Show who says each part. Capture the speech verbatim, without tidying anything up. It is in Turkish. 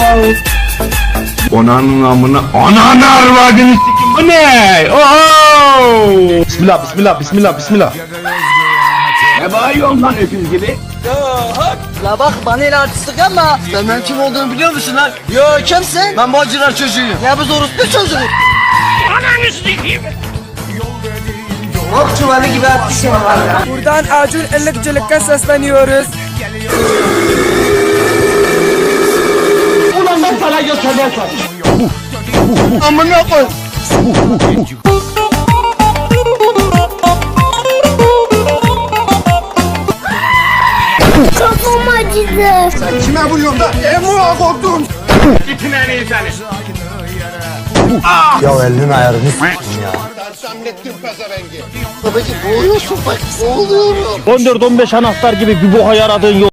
Speaker 1: Onanın amına, ananı arvadını sikim, bu ne? Oho!
Speaker 2: Bismillah, bismillah, bismillah, bismillah.
Speaker 1: Ne bağırıyorsun lan öküz gibi?
Speaker 3: La bak bana ile artistlik yapma. Sen benim kim olduğumu biliyor musun lan? Yo kimsin? Ben bacılar çocuğuyum. Ya biz orospu çocuğu. Ananı sikeyim. Ok çuvalı gibi artistim var ya.
Speaker 4: Buradan Acun Ilıkçılık'a sesleniyoruz.
Speaker 3: Ulan ben sana götürmem.
Speaker 2: Amına koy.
Speaker 5: Kafam acıdı.
Speaker 2: Sen kime vuruyorsun da? Emuğa korktum.
Speaker 1: Gittin en iyi seni.
Speaker 2: Ya elinin ayarını s**tim ya.
Speaker 3: Babacım boğuluyorsun bak boğuluyorum.
Speaker 6: on dört on beş anahtar gibi bir boha yaradığın yok.